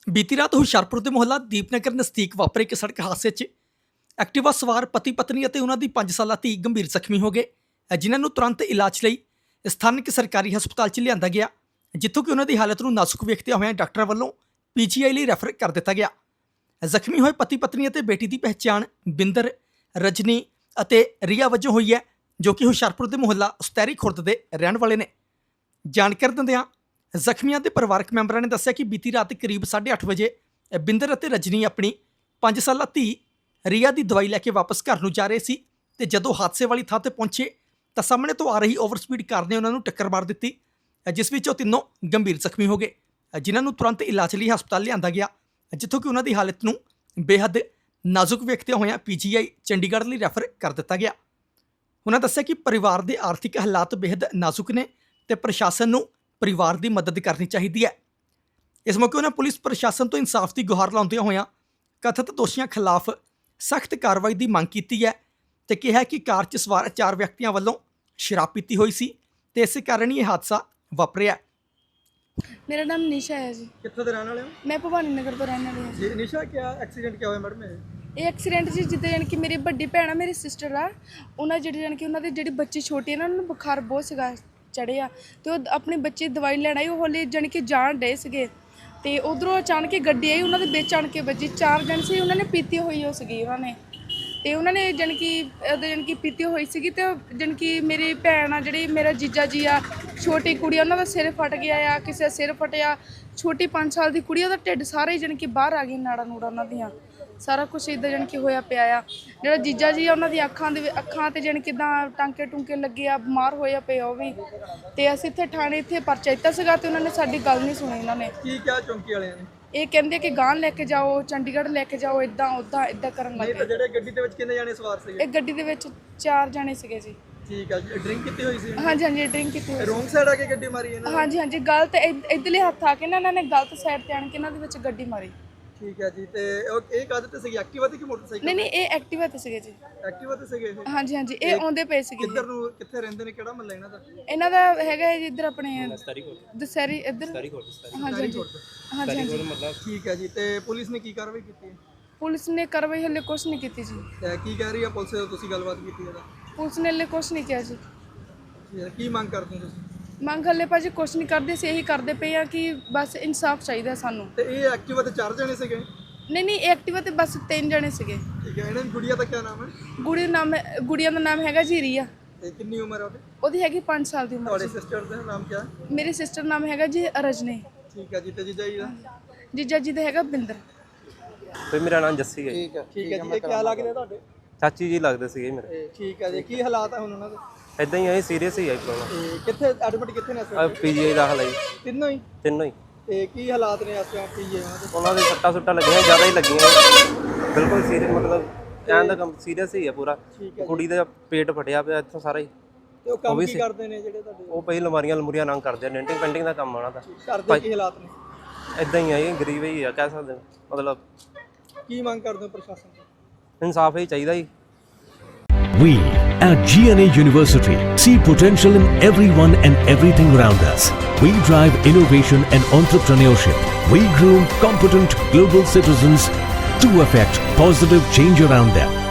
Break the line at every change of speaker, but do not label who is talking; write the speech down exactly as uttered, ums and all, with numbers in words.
ਬੀਤੀ ਰਾਤ ਹੁਸ਼ਿਆਰਪੁਰ ਦੇ ਮੁਹੱਲਾ ਦੀਪਨਗਰ ਨਜ਼ਦੀਕ ਵਾਪਰੇ ਇੱਕ ਸੜਕ ਹਾਦਸੇ 'ਚ ਐਕਟਿਵਾ ਸਵਾਰ ਪਤੀ ਪਤਨੀ ਅਤੇ ਉਹਨਾਂ ਦੀ ਪੰਜ ਸਾਲਾ ਧੀ ਗੰਭੀਰ ਜ਼ਖਮੀ ਹੋ ਗਏ, ਜਿਨ੍ਹਾਂ ਨੂੰ ਤੁਰੰਤ ਇਲਾਜ ਲਈ ਸਥਾਨਕ ਸਰਕਾਰੀ ਹਸਪਤਾਲ 'ਚ ਲਿਆਂਦਾ ਗਿਆ, ਜਿੱਥੋਂ ਕਿ ਉਹਨਾਂ ਦੀ ਹਾਲਤ ਨੂੰ ਨਾਜ਼ੁਕ ਵੇਖਦਿਆਂ ਹੋਇਆਂ ਡਾਕਟਰਾਂ ਵੱਲੋਂ ਪੀ ਜੀ ਆਈ ਲਈ ਰੈਫਰ ਕਰ ਦਿੱਤਾ ਗਿਆ। ਜ਼ਖਮੀ ਹੋਏ ਪਤੀ ਪਤਨੀ ਅਤੇ ਬੇਟੀ ਦੀ ਪਹਿਚਾਣ ਬਿੰਦਰ, ਰਜਨੀ ਅਤੇ ਰੀਆ ਵਜੋਂ ਹੋਈ ਹੈ, ਜੋ ਕਿ ਹੁਸ਼ਿਆਰਪੁਰ ਦੇ ਮੁਹੱਲਾ ਉਸਤੈਰੀ ਖੁਰਦ ਦੇ ਰਹਿਣ ਵਾਲੇ ਨੇ। ਜਾਣਕਾਰੀ ਦਿੰਦਿਆਂ ਜ਼ਖਮੀਆਂ ਦੇ ਪਰਿਵਾਰਕ ਮੈਂਬਰਾਂ ਨੇ ਦੱਸਿਆ ਕਿ ਬੀਤੀ ਰਾਤ ਕਰੀਬ ਸਾਢੇ ਅੱਠ ਵਜੇ ਬਿੰਦਰ ਅਤੇ ਰਜਨੀ ਆਪਣੀ ਪੰਜ ਸਾਲਾ ਧੀ ਰੀਆ ਦੀ ਦਵਾਈ ਲੈ ਕੇ ਵਾਪਸ ਘਰ ਨੂੰ ਜਾ ਰਹੇ ਸੀ ਤੇ ਜਦੋਂ ਹਾਦਸੇ ਵਾਲੀ ਥਾਂ ਤੇ ਪਹੁੰਚੇ ਤਾਂ ਸਾਹਮਣੇ ਤੋਂ ਆ ਰਹੀ ਓਵਰ ਸਪੀਡ ਕਾਰ ਨੇ ਉਹਨਾਂ ਨੂੰ ਟੱਕਰ ਮਾਰ ਦਿੱਤੀ, ਜਿਸ ਵਿੱਚ ਉਹ ਤਿੰਨੋਂ ਗੰਭੀਰ ਜ਼ਖਮੀ ਹੋ ਗਏ, ਜਿਨ੍ਹਾਂ ਨੂੰ ਤੁਰੰਤ ਇਲਾਜ ਲਈ ਹਸਪਤਾਲ ਲਿਆਂਦਾ ਗਿਆ, ਜਿੱਥੋਂ ਕਿ ਉਹਨਾਂ ਦੀ ਹਾਲਤ ਨੂੰ ਬੇਹੱਦ ਨਾਜ਼ੁਕ ਵੇਖਦਿਆਂ ਹੋਇਆਂ ਪੀ ਜੀ ਆਈ ਚੰਡੀਗੜ੍ਹ ਲਈ ਰੈਫਰ ਕਰ ਦਿੱਤਾ ਗਿਆ। ਉਹਨਾਂ ਦੱਸਿਆ ਕਿ ਪਰਿਵਾਰ ਦੇ ਆਰਥਿਕ ਹਾਲਾਤ ਬੇਹੱਦ ਨਾਜ਼ੁਕ ਨੇ ਤੇ ਪ੍ਰਸ਼ਾਸਨ ਨੂੰ ਪਰਿਵਾਰ ਦੀ ਮਦਦ ਕਰਨੀ ਚਾਹੀਦੀ ਹੈ। ਇਸ ਮੌਕੇ ਉਹਨਾਂ ਪੁਲਿਸ ਪ੍ਰਸ਼ਾਸਨ ਤੋਂ ਇਨਸਾਫ ਦੀ ਗੁਹਾਰ ਲਾਉਂਦਿਆਂ ਹੋਇਆਂ ਕਥਿਤ ਦੋਸ਼ੀਆਂ ਖਿਲਾਫ ਸਖਤ ਕਾਰਵਾਈ ਦੀ ਮੰਗ ਕੀਤੀ ਹੈ ਤੇ ਕਿਹਾ ਕਿ ਕਾਰ 'ਚ ਸਵਾਰ ਚਾਰ ਵਿਅਕਤੀਆਂ ਵੱਲੋਂ ਸ਼ਰਾਬ ਪੀਤੀ ਹੋਈ ਸੀ ਤੇ ਇਸੇ ਕਾਰਨ ਹੀ ਇਹ ਹਾਦਸਾ ਵਾਪਰਿਆ।
मेरा नाम निशा है जी।
ਕਿੱਥੋਂ ਦੇ ਰਹਿਣ ਵਾਲੇ ਹੋ
मैं भवानी नगर तो रहने वाली हूँ।
ਜੀ? ਨਿਸ਼ਾ ਕੀ ਐਕਸੀਡੈਂਟ ਕੀ ਹੋਇਆ ਮੈਡਮ?
ਇਹ ਐਕਸੀਡੈਂਟ ਜੀ ਜਿੱਦਾਂ ਜਾਣੀ ਕਿ ਮੇਰੀ ਵੱਡੀ ਭੈਣ ਆ, ਮੇਰੀ ਸਿਸਟਰ ਆ, ਉਹਨਾਂ ਜਿਹੜੀ ਜਾਣੀ ਕਿ ਉਹਨਾਂ ਦੇ ਜਿਹੜੀ ਬੱਚੀ ਛੋਟੀ ਆ ਨਾ, ਉਹਨਾਂ ਨੂੰ ਬੁਖਾਰ ਬਹੁਤ ਸੀਗਾ ਚੜਿਆ ਤੇ ਉਹ ਆਪਣੀ ਬੱਚੀ ਦਵਾਈ ਲੈਣ ਆਈ, ਉਹ ਹੌਲੀ ਜਾਣੀ ਕਿ ਜਾਣ ਡੇ ਸੀਗੇ ਤੇ ਉਧਰੋਂ ਅਚਾਨਕ ਹੀ ਗੱਡੀ ਆਈ, ਉਹਨਾਂ ਦੇ ਵਿੱਚ ਆਣ ਕੇ ਵੱਜੀ। ਚਾਰ ਜਣ ਸੀ, ਉਹਨਾਂ ਨੇ ਪੀਤੀ ਹੋਈ ਉਹ ਸੀਗੀ ਉਹਨਾਂ ਨੇ ਤੇ ਉਹਨਾਂ ਨੇ ਜਾਣੀ ਕਿ ਉਹਦੇ ਜਾਣੀ ਕਿ ਪੀਤੀ ਹੋਈ ਸੀਗੀ ਤੇ ਜਾਣੀ ਕਿ ਮੇਰੀ ਭੈਣ ਆ ਜਿਹੜੀ ਮੇਰਾ ਜੀਜਾ ਜੀ ਆ, ਛੋਟੀ ਕੁੜੀ, ਉਹਨਾਂ ਦਾ ਸਿਰ ਫਟ ਗਿਆ ਆ, ਕਿਸੇ ਦਾ ਸਿਰ ਫਟਿਆ, ਛੋਟੀ ਪੰਜ ਸਾਲ ਦੀ ਕੁੜੀ, ਉਹਦਾ ਢਿੱਡ ਸਾਰਾ ਹੀ ਜਾਣੀ ਕਿ ਬਾਹਰ ਆ ਗਈ, ਨਾੜਾ ਨੂੜਾ ਉਹਨਾਂ ਦੀਆਂ ਸਾਰਾ ਕੁਛ ਇੱਦਾਂ ਜਾਣੀ ਕਿ ਹੋਇਆ ਪਿਆ ਆ। ਜਿਹੜਾ ਜੀਜਾ ਜੀ ਆ ਉਹਨਾਂ ਦੀ ਅੱਖਾਂ ਦੇ ਅੱਖਾਂ ਤੇ ਜਾਣੀ ਕਿੱਦਾਂ ਟਾਂਕੇ ਟੁੰਕੇ ਲੱਗੇ ਆ, ਬਿਮਾਰ ਹੋਇਆ ਪਿਆ ਉਹ ਵੀ। ਤੇ ਅਸੀਂ ਇੱਥੇ ਥਾਣੇ ਇੱਥੇ ਪਰਚਾ ਦਿੱਤਾ ਸੀਗਾ ਤੇ ਉਹਨਾਂ ਨੇ ਸਾਡੀ ਗੱਲ ਨਹੀਂ ਸੁਣੀ। ਉਹਨਾਂ ਨੇ
ਕੀ ਕਿਹਾ ਚੌਂਕੀ ਵਾਲਿਆਂ ਨੇ?
ਇਹ ਕਹਿੰਦੇ ਕਿ ਗਾਂ ਲੈ ਕੇ ਜਾਓ, ਚੰਡੀਗੜ੍ਹ ਲੈ ਕੇ ਜਾਓ, ਇਦਾਂ ਉਦਾਂ ਇਦਾਂ ਕਰਨ ਲੱਗ ਗਏ।
ਜਿਹੜੇ ਗੱਡੀ ਦੇ ਵਿੱਚ ਕਿੰਨੇ ਜਾਣੇ ਸਵਾਰ ਸੀਗੇ?
ਇਹ ਗੱਡੀ ਦੇ ਵਿੱਚ ਚਾਰ ਜਾਣੇ ਸੀਗੇ ਜੀ।
ਠੀਕ ਹੈ ਜੀ। ਡਰਿੰਕ ਕੀਤੀ ਹੋਈ ਸੀ?
ਹਾਂਜੀ ਹਾਂਜੀ ਡਰਿੰਕ ਕੀਤੀ ਹੋਈ
ਰੋਂਗ ਸਾਈਡ ਆ ਕੇ ਗੱਡੀ ਮਾਰੀ ਇਹਨਾਂ ਨੇ?
ਹਾਂਜੀ ਹਾਂਜੀ ਗਲਤ ਇੱਧਰਲੇ ਹੱਥ ਆ ਕੇ ਨਾ ਇਹਨਾਂ ਨੇ ਗਲਤ ਸਾਈਡ ਤੇ ਆਣ ਕੇ ਇਹਨਾਂ ਦੇ ਵਿੱਚ ਗੱਡੀ ਮਾਰੀ।
ਠੀਕ ਹੈ ਜੀ। ਤੇ ਉਹ ਇਹ ਕਾਹਦੇ ਤੇ ਸੀਗੀ, ਐਕਟਿਵਾ ਤੇ ਕਿ ਮੋਟਰਸਾਈਕਲ?
ਨਹੀਂ ਨਹੀਂ ਇਹ ਐਕਟਿਵਾ ਤੇ ਸੀਗੇ ਜੀ।
ਐਕਟਿਵਾ ਤੇ ਸੀਗੇ ਇਹ?
ਹਾਂਜੀ ਹਾਂਜੀ ਇਹ ਆਉਂਦੇ ਪਏ ਸੀਗੇ।
ਕਿੱਧਰ ਨੂੰ, ਕਿੱਥੇ ਰਹਿੰਦੇ ਨੇ, ਕਿਹੜਾ ਮਹੱਲਾ ਇਹਨਾਂ ਦਾ?
ਇਹਨਾਂ ਦਾ ਹੈਗਾ ਹੈ ਜੀ ਇੱਧਰ ਆਪਣੇ ਦਸਹਿਰੀ ਇੱਧਰ। ਹਾਂਜੀ ਹਾਂਜੀ ਹਾਂਜੀ ਹਾਂਜੀ
ਠੀਕ ਹੈ ਜੀ। ਤੇ ਪੁਲਿਸ ਨੇ ਕੀ ਕਾਰਵਾਈ ਕੀਤੀ ਹੈ?
ਪੁਲਿਸ ਨੇ ਕਾਰਵਾਈ ਹਲੇ ਕੁਛ ਨਹੀਂ ਕੀਤੀ ਜੀ।
ਤੇ ਕੀ ਕਹਿ ਰਹੀ ਹੈ ਪੁਲਿਸ? ਤੁਸੀਂ ਗੱਲਬਾਤ ਕੀਤੀ ਇਹਦਾ?
ਪੁਲਿਸ ਨੇ ਹਲੇ ਕੁਛ ਨਹੀਂ ਕਿਹਾ ਜੀ।
ਕੀ ਮੰਗ ਕਰਦੇ ਹੋ ਤੁਸੀਂ?
ਮੰਗ ਹਲੇ ਭਾਜੀ ਕੁਛ ਨਹੀਂ ਕਰਦੇ ਸੀ, ਇਹੀ ਕਰਦੇ ਪਏ ਆ ਕਿ ਬਸ ਇਨਸਾਫ ਚਾਹੀਦਾ ਸਾਨੂੰ।
ਤੇ ਇਹ ਐਕਟਿਵਾ ਤੇ ਚਾਰ ਜਣੇ ਸੀਗੇ?
ਨਹੀਂ ਨਹੀਂ ਐਕਟਿਵਾ ਤੇ ਬਸ ਤਿੰਨ ਜਣੇ ਸੀਗੇ।
ਠੀਕ ਹੈ। ਇਹਨਾਂ ਦੀ ਗੁੜੀਆ ਦਾ ਕੀ ਨਾਮ ਹੈ?
ਗੁੜੀ ਨਾਮ ਹੈ, ਗੁੜੀਆ ਦਾ ਨਾਮ ਹੈਗਾ ਜੀ ਰੀਆ।
ਤੇ ਕਿੰਨੀ ਉਮਰ ਹੈ ਉਹਦੀ?
ਉਹਦੀ ਹੈਗੀ ਪੰਜ ਸਾਲ ਦੀ ਉਮਰ।
ਤੁਹਾਡੇ ਸਿਸਟਰ ਦਾ ਨਾਮ ਕੀ ਹੈ?
ਮੇਰੀ ਸਿਸਟਰ ਨਾਮ ਹੈਗਾ ਜੀ ਰਜਨੀ।
ਠੀਕ ਹੈ ਜੀ। ਤੇ ਜੀਜਾ ਜੀ ਦਾ?
ਜੀਜਾ ਜੀ ਦਾ ਹੈਗਾ ਬਿੰਦਰ।
ਤੇ ਮੇਰਾ ਨਾਮ ਜੱਸੀ ਹੈ।
ਠੀਕ ਹੈ। ਠੀਕ ਹੈ ਜੀ। ਇਹ ਕੀ ਲੱਗਦੇ ਤੁਹਾਡੇ?
ਚਾਚੀ ਜੀ ਲੱਗਦੇ ਸੀਗੇ ਮੇਰੇ।
ਠੀਕ ਹੈ ਜੀ। ਕੀ ਹਾਲਾਤ ਹੈ ਹੁਣ ਉਹਨਾਂ ਦੇ?
ਇਦਾਂ ਹੀ ਆਏ ਸੀਰੀਅਸ ਹੀ ਆਈ ਪ੍ਰੋਬਲਮ।
ਤੇ ਕਿੱਥੇ ਐਡਮਿਟ ਕਿੱਥੇ ਨੇ ਇਸ
ਆ
ਵੇਲੇ?
ਪੀਜੀਆਈ ਦਾਖਲ ਆਈ
ਤਿੰਨੋਂ ਹੀ?
ਤਿੰਨੋਂ ਹੀ।
ਤੇ ਕੀ ਹਾਲਾਤ ਨੇ ਇਸ ਵੇਲੇ ਪੀਜੀ ਉਹਨਾਂ ਦੇ?
ਉਹਨਾਂ ਦੇ ਸੱਟਾਂ ਸੁੱਟਾਂ ਲੱਗੀਆਂ, ਜ਼ਿਆਦਾ ਹੀ ਲੱਗੀਆਂ, ਬਿਲਕੁਲ ਸੀਰੀਅਸ, ਮਤਲਬ ਐਂ ਦਾ ਕੰਮ ਸੀਰੀਅਸ ਹੀ ਆ ਪੂਰਾ। ਕੁੜੀ ਦਾ ਪੇਟ ਫਟਿਆ ਪਿਆ ਇੱਥੋਂ ਸਾਰਾ ਹੀ।
ਤੇ ਉਹ ਕੰਮ ਕੀ ਕਰਦੇ ਨੇ ਜਿਹੜੇ ਤੁਹਾਡੇ?
ਉਹ ਪਈ ਲਮਾਰੀਆਂ ਲਮੂਰੀਆਂ ਨੰਗ ਕਰਦੇ ਆ, ਡੈਂਟਿੰਗ ਪੈਂਟਿੰਗ ਦਾ ਕੰਮ ਆਉਣਾ ਦਾ।
ਕਰਦੇ ਕੀ ਹਾਲਾਤ ਨੇ?
ਇਦਾਂ ਹੀ ਆਈ, ਗਰੀਬ ਹੀ ਆ ਕਹਿ ਸਕਦੇ, ਮਤਲਬ
ਕੀ ਮੰਗ ਕਰਦੇ ਹੋ ਪ੍ਰਸ਼ਾਸਨ ਤੋਂ?
ਇਨਸਾਫ ਹੀ ਚਾਹੀਦਾ ਜੀ।
We at G N A University see potential in everyone and everything around us. We drive innovation and entrepreneurship. We groom competent global citizens to affect positive change around them.